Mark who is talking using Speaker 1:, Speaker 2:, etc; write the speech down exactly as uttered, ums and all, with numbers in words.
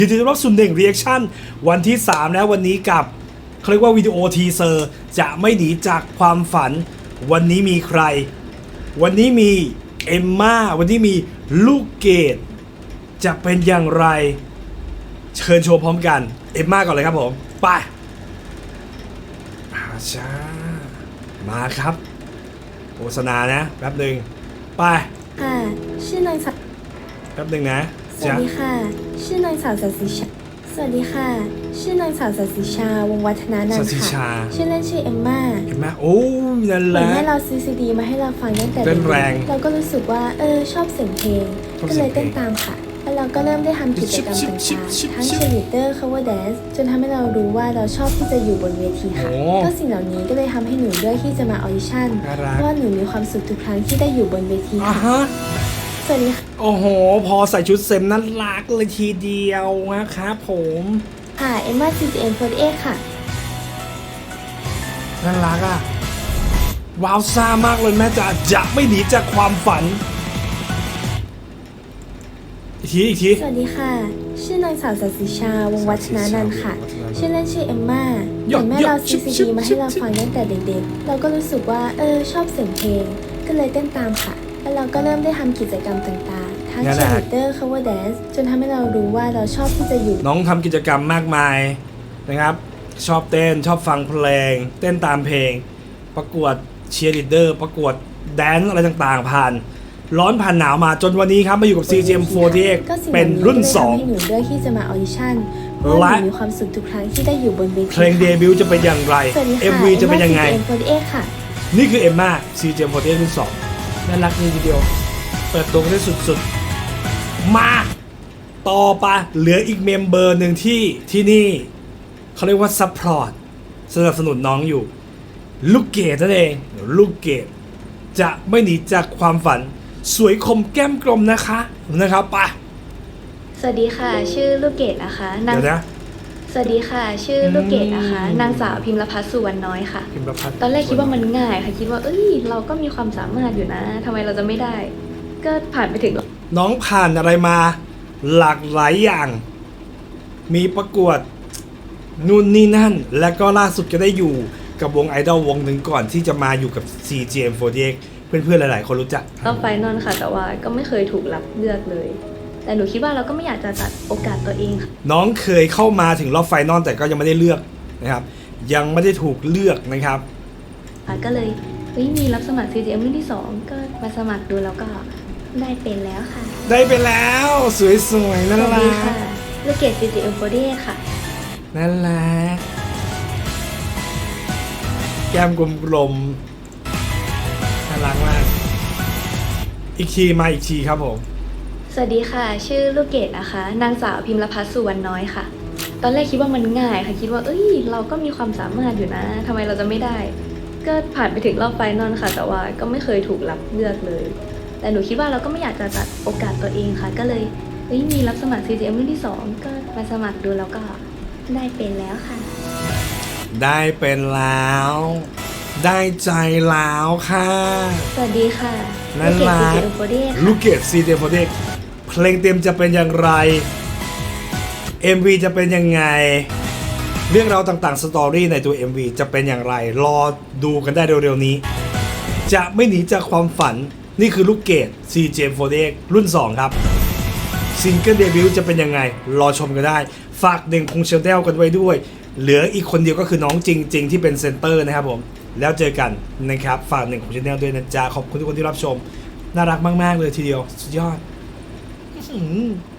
Speaker 1: ยินดีต้อนรับสู่หนึ่ง Reaction วันที่สามแล้ววันนี้กับเขาเรียกว่าวิดีโอทีเซอร์จะไม่หนีจากความฝันวันนี้มีใครวันนี้มีเอมม่าวันนี้มีลูกเกดจะเป็นอย่างไรเชิญชมพร้อมกันเอมม่าก่อนเลยครับผมไปอาจ้ามาครับโฆษณานะแป๊บหนึ่งไป
Speaker 2: ค่ะชื่อนางสาว
Speaker 1: แป๊บหนึ่งนะ
Speaker 2: สวัสดีค่ะชื่อนางสาวสัตย์สิชาสวัสดีค่ะชื่อนางสาวสัตย์สิชาวงศ์วัฒนานัน
Speaker 1: สัต
Speaker 2: ท์
Speaker 1: ย์สิชา
Speaker 2: ค่ะชื่อเล่นชื่อเอมม่า
Speaker 1: เอมม่าโอ้นั่น
Speaker 2: เห
Speaker 1: แห
Speaker 2: มือน
Speaker 1: ละ
Speaker 2: แม่เราซื้อซีดีมาให้เราฟังตั้งแต่
Speaker 1: เต้
Speaker 2: เด็
Speaker 1: นแรง
Speaker 2: กๆเราก็รู้สึกว่าเออชอบเสียงเพลง
Speaker 1: ชอบ
Speaker 2: ก็
Speaker 1: เสี
Speaker 2: เลย ย
Speaker 1: งเพลง
Speaker 2: เต้นตามค่ะแล้วเราก็เริ่มได้ทำกิจกรรม
Speaker 1: ชิบ
Speaker 2: ต่
Speaker 1: ชิบ
Speaker 2: าง
Speaker 1: ชิบ
Speaker 2: ๆทั้ง
Speaker 1: ชิบ
Speaker 2: เชียร์ลีดเดอร์ cover dance จนทำให้เรารู้ว่าเราชอบที่จะอยู่บนเวทีค่ะ
Speaker 1: โอ้
Speaker 2: ก็สิ่งเหล่านี้ก็เลยทำให้หนูเลือกที่จะมาออดิชั่น
Speaker 1: น่ารัก
Speaker 2: เพราะว่าหนูมีความสุขทุกครั้งที่ได้อยู่บนเวที
Speaker 1: อ่า
Speaker 2: ค่ะ
Speaker 1: ฮะ
Speaker 2: สวัสดีค่ะ
Speaker 1: โอ้โห พอใส่ชุดเซมน่ารักเลยทีเดียวนะครับผม
Speaker 2: ค่ะเอมม่า ซี จี เอ็ม สี่สิบเอ็ด ค่ะ
Speaker 1: น่ารักอ่ะ ว้าวซ่ามากเลยแม่จ๋าจะไม่หนีจากความฝัน อีกทีอีกที
Speaker 2: สวัสดีค่ะ ชื่อนางสาวสัตย์สิชาวงศ์วัฒนานันท์ค่ะ ชื่อเล่นชื่อเอมม่าเหมือนแม่เราซื้อซีดีมาให้เราฟังตั้งแต่เด็กๆ เราก็รู้สึกว่าเออชอบเสียงเพลง ก็เลยเต้นตามค่ะ แล้วเราก็เริ่มได้ทำกิจกรรมต่างๆ ทั้งเชียร์ลีดเดอร์ cover dance จนทำให้เรารู้ว่าเราชอบที่จะอยู่
Speaker 1: น้องทำกิจกรรมมากมายนะครับ ชอบเต้นชอบฟังเพลง เต้นตามเพลง ประกวดเชียร์ลีดเดอร์ประกวดแดนซ์อะไรต่างๆ ผ่าน ร้อนผ่านหนาวมาจนวันนี้ครับมาอยู่กับ ซี จี เอ็ม สี่สิบเอ็ด
Speaker 2: ก็สิ่ง
Speaker 1: เป็น
Speaker 2: เหล่า
Speaker 1: รุ่น
Speaker 2: ก็เลย
Speaker 1: สอง
Speaker 2: ทำให้หนูเลือกที่จะมาออดิชั่นเพราะว่าหนูมีความสุขทุกครั้งที่ได้อยู่บนเวที
Speaker 1: เพลงเดบิวต์จะเป็นอย่างไร
Speaker 2: สวัสดีค่ะ
Speaker 1: เอ็ม วี จะเป็นยังไง
Speaker 2: เอ็มม่า ซี จี เอ็ม สี่สิบเอ็ด ค่ะ
Speaker 1: นี่คือเอมม่า ซี จี เอ็ม สี่สิบเอ็ด รุ่นสองน่ารักดีทีเดียว เปิดตัวกันได้สุดๆ มา ต่อไปเหลืออีกเมมเบอร์หนึ่งที่ที่นี่ เขาเรียกว่าซัพพอร์ตสนับสนุนน้องอยู่ ลูกเกดนั่นเอง ลูกเกดจะไม่หนีจากความฝัน สวยคมแก้มกลมนะคะนะครับไป
Speaker 3: สวัสดีค่ะ ชื่อลูกเกดนะคะนาง
Speaker 1: เดี๋ยวนะ
Speaker 3: สวัสดีค่ะ ชื่อลูกเกดนะคะ
Speaker 1: อืม
Speaker 3: นางสาวพิมรพัฒน์สุวรรณน้อยค่ะ
Speaker 1: พิมพ์ประพัฒน์
Speaker 3: ตอนแรกคิดว่ามันง่ายค่ะคิดว่าเอ้ยเราก็มีความสามารถอยู่นะทำไมเราจะไม่ได้ ก็ผ่านไปถึง
Speaker 1: น้องผ่านอะไรมาหลากหลายอย่าง มีประกวดนู่นนี่นั่น และก็ล่าสุดก็ได้อยู่กับวงไอดอลวงหนึ่งก่อนที่จะมาอยู่กับ ซี จี เอ็ม สี่สิบเอ็ด เพื่อนๆหลายๆ คนรู้จัก
Speaker 3: รอบไฟนอลค่ะ แต่ว่าก็ไม่เคยถูกรับเลือกเลย แต่หนูคิดว่าเราก็ไม่อยากจะตัดโอกาสตัวเองค่ะ
Speaker 1: น้องเคยเข้ามาถึงรอบไฟนอลแต่ก็ยังไม่ได้เลือกนะครับ ยังไม่ได้ถูกเลือกนะครับ
Speaker 3: ก็เลยเฮ้ยมีรับสมัคร ซี จี เอ็ม รุ่นที่สองก็มาสมัครดูแล้วก็ได้เป็นแล้วค่ะ
Speaker 1: ได้ไปแล้วสวยๆน่า
Speaker 3: สวัส
Speaker 1: รั
Speaker 3: ดี
Speaker 1: ก
Speaker 3: ค่ะลูกเกด ซี จี เอ็ม สี่สิบเอ็ด ค่ะ
Speaker 1: น่ารักแก้มกลมๆน่ารักมาก อีกทีมาอีกทีครับผม
Speaker 3: สวัสดีค่ะ ชื่อลูกเกดนะคะ นางสาวพิมรพัฒน์สุวรรณน้อยค่ะ ตอนแรกคิดว่ามันง่ายค่ะคิดว่าเอ้ยเราก็มีความสามารถอยู่นะทำไมเราจะไม่ได้ ก็ผ่านไปถึงรอบไฟนอลค่ะ แต่ว่าก็ไม่เคยถูกรับเลือกเลย แต่หนูคิดว่าเราก็ไม่อยากจะตัดโอกาสตัวเองค่ะ ก็เลยเฮ้ยมีรับสมัคร ซี จี เอ็ม รุ่นที่สองก็มาสมัครดูแล้วก็ได้เป็นแล้วค่ะ
Speaker 1: ได้เป็นแล้ว ได้ใจแล้วค่ะ
Speaker 3: สวัสดีค่ะ
Speaker 1: น่ารัก
Speaker 3: ลูกเกด ซี จี เอ็ม สี่สิบเอ็ด ค่ะ
Speaker 1: ลูกเกด ซี จี เอ็ม สี่สิบเอ็ด เพลงเต็มจะเป็นอย่างไร เอ็ม วี จะเป็นยังไง เรื่องราวต่างๆ สตอรี่ในตัว เอ็ม วี จะเป็นอย่างไร รอดูกันได้เร็วๆนี้ จะไม่หนีจากความฝัน นี่คือลูกเกด ซี จี เอ็ม สี่สิบเอ็ด รุ่นสองครับซิงเกิลเดบิวต์จะเป็นยังไง รอชมกันได้ ฝากเด่งคงเชลเดลกันไว้ด้วย เหลืออีกคนเดียวก็คือน้องจริง ๆ ที่เป็นเซนเตอร์นะครับผม แล้วเจอกันนะครับ ฝากหนึ่งของชาแนลด้วยนะจ๊ะ ขอบคุณทุกคนที่รับชม น่ารักมาก ๆ เลยทีเดียว สุดยอดอื้อหือ